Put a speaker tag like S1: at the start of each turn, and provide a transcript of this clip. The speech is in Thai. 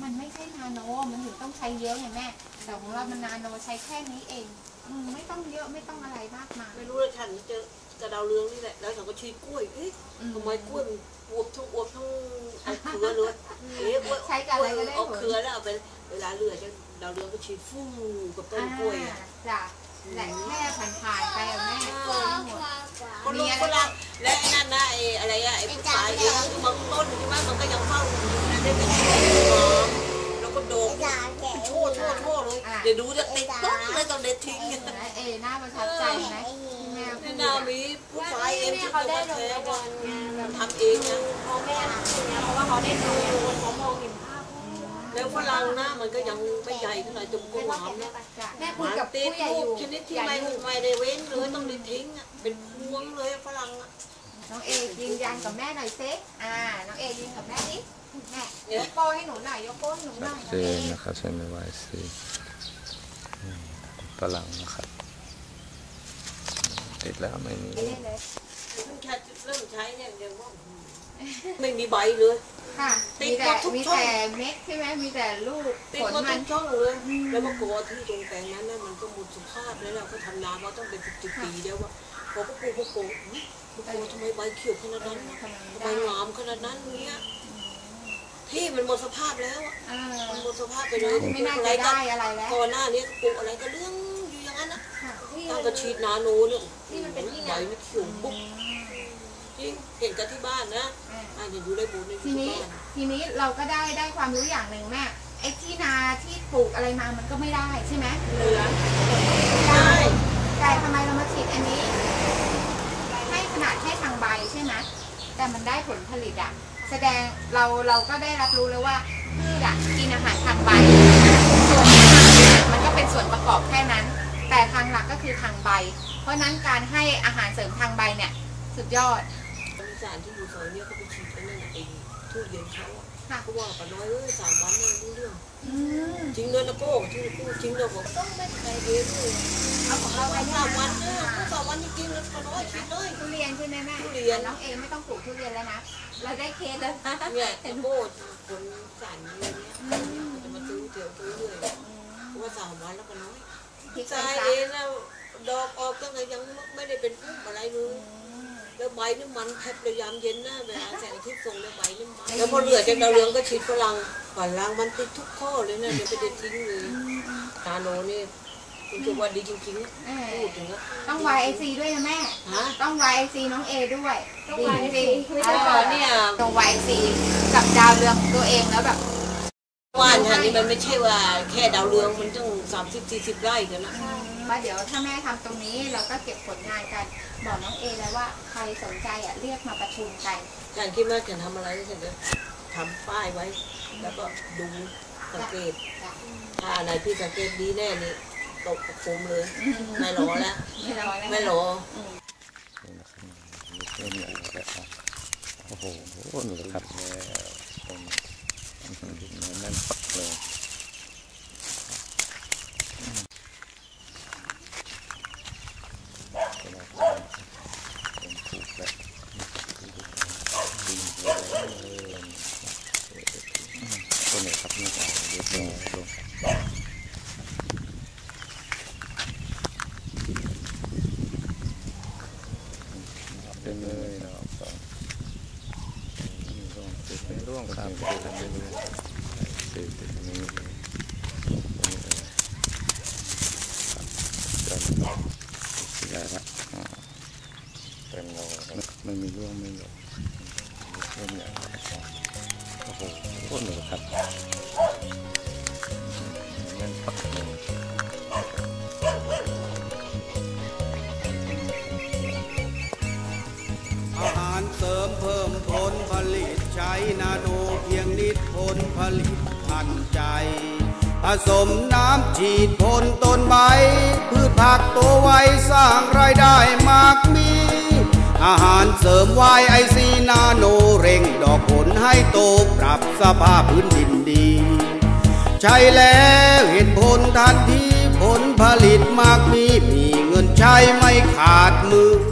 S1: มันไม่ใช่นาโนมันถึงต้องใช้เยอะไงแม่แต่ของเรามันนาโนใช้แค่นี้เองไม่ต้องเยอะไม่ต้องอะไรมากมาย
S2: ไม่รู้เลยฉันเจอจะดาวเรืองนี่แหละแล้วฉันก็ชี้กล้วยทำไมกล้วยมันอวบทั้งเอาเครือเลย
S1: ใช้กับอะไรก็ได้
S2: เอาเครือแล้วเอาไปเวลาเลือจะดาวเรืองก็ชี้ฟู่กับต้นกล้วย
S1: จ้ะแต่แค่ผ่านๆไปอะแม่
S2: คนรู้คนละและไอ้นั่นนะไอ้อะไรอะไอ้ผู้ชายบางต้นที่บ้านมันก็ยังเฝ้าได้เป็นแล้วก็โดดโชว์เลยเดี๋ยวดูจะติดปุ๊บเลยต้องเด็ดทิ้ง
S1: น่าประทับใจไหม
S2: แม่นามีผู้ชายเองที่เขาได้แท้ทำเองนะ
S3: พ่อแม่เพราะว่าเขาได้ดูเขามองเห็นภาพ
S2: แล้วฝรั่งนะมันก็ยังไม่ใหญ่ขนาดจมกุ้งหอมนะ
S1: แม่คุยกับผู้ใหญ่อยู่
S2: ชนิดที่ไม่ได้เว้นเลยต้องได้ทิ้งเป็นพวงเลยฝรั่ง
S1: น้องเอยืนยันกับแม่หน่อยเซ็น้องเอยืนกับแม่ดิแม่ยกโป้ให้หนูหน่อยยกโป้ให้หนูหน่อย
S4: เจนนะครับใช้ไม่ไหวสิฝรั่งนะครับติดแล้วไม่มี
S2: เริ่มใช้เนี่ยเดี๋ยวว่าไม่มีใบเลย
S1: ค่ะมีแต่เม็ดใช่ไหมมีแต่ลูก
S2: ผลมันช่องเลยแล้วก็กลัวที่ตรงแปลงนั้นน่ะมันก็หมดสภาพแล้วเราก็ทำนามาต้องเป็น10 ปีแล้วว่าพอพวกทำไมใบเขียวขนาดนั้นใบงามขนาดนั้นเนี้ยที่มันหมดสภาพแล้วมันหมดสภาพไปเลย
S1: ไม่น่าจะได้อะไรแล้ว
S2: ก่อนหน้านี้ปลูกอะไรก็เรื่องอยู่อย่างนั้นนะตั้งกระชีดนาโนเนี่ย
S3: ที่มันเป็นที่
S2: ใบไม่เขียวปุ๊บจริงเห็นกันที่บ้านนะอย่าดูได้บุญในที่บ้าน
S1: ทีนี้เราก็ได้ความรู้อย่างหนึ่งแม่ไอ้ที่นาที่ปลูกอะไรมามันก็ไม่ได้ใช่ไหมเหลือได้แต่ทำไมเรามาฉีดอันนี้ให้ขนาดแค่ทางใบใช่ไหมแต่มันได้ผลผลิตแสดงเราก็ได้รับรู้แล้วว่าพืชกินอาหารทางใบส่วนมันก็เป็นส่วนประกอบแค่นั้นแต่ทางหลักก็คือทางใบเพราะนั้นการให้อาหารเสริมทางใบเนี่ยสุดยอด
S2: สารที่อยู่ซอยเนี่ยเขาไปฉีดกันนั่นเองทุเรียนเขาเขาว่าป้าน้อย3 วันเลยรู้เรื่องจริงเลยนะโก้ที่พูดจริงเลยบอกต้องไม่ใครเรียนเลยเอาของเราไป3 วันเนี่ย3 วันจริงๆแล้วป้าน้อยฉีดเลย
S1: ทุเรียนใช่ไหมแม่
S2: ทุเรียน
S1: น้องเองไม่ต้องปลูกทุเรียนแล้วนะเราได้เคสแล้ว
S2: เนี่ยโก้คนสารอะไรเนี่ยจะมาซื้อเรื่อยเพราะว่า3 วันแล้วป้าน้อยใช่เองแล้วดอกออกตั้งแต่ยังไม่ได้เป็นพุ่มอะไรเลยแล้วใบนี่มันแทบเลยยามเย็นนะเวลาแสงอาทิตย์ส่งแล้วใบนี่มันแล้วพอเหลือจากดาวเรืองก็ฉีดฝรั่งมันติดทุกข้อเลยนะเดี๋ยวไปเด็ดทิ้งเลยนาโนนี่คือว่าดีจริงๆพูดถึง
S1: ต้อง YIC ด้วยนะแม่ต้อง YIC น้องเอด้วย
S3: ต้อง YIC
S1: เนี่ยตรง YIC กับดาวเรืองตัวเองแล้วแบบ
S2: ว่านทันนี่มันไม่ใช่ว่าแค่ดาวเรืองมันต้อง30-40 ไร่กันนะ
S1: ว่าเดี๋ยวถ้าแม่ทำตรงนี้เราก็เก็บผลงานกันบอกน้องเอแล้วว่าใครสนใจเรียกมาประชุมกัน
S2: การคิดว่าจะทำอะไรก็จะทำป้ายไว้แล้วก็ดูสังเกตถ้าอะไรที่สังเกตดีแน่นี่ตกประคุมเลยไม่รอแล้วไม่รอ
S4: โอ้โหหนูครับแน่นปักเลยตัวไหนครับนี่ดูเป็นเลยนะครับเป็นร่วงครับเป็นนี้ใหญ่ละเต็มเลยไม่มีร่วงไม่หลบเริ่มใหญ่โอ้โหโคตรหนูครับนั่นปักเลย
S5: อาหารเสริมเพิ่มผลผลิตใช้นาโนเพียงนิดผลผลิตทันใจผสมน้ำฉีดพ่นต้นใบพืชผักโตไวสร้างรายได้มากมีอาหารเสริมYICนาโนเร่งดอกผลให้โตปรับสภาพพื้นดินดีใช้แล้วเห็นผลทันทีผลผลิตมากมีเงินใช้ไม่ขาดมือ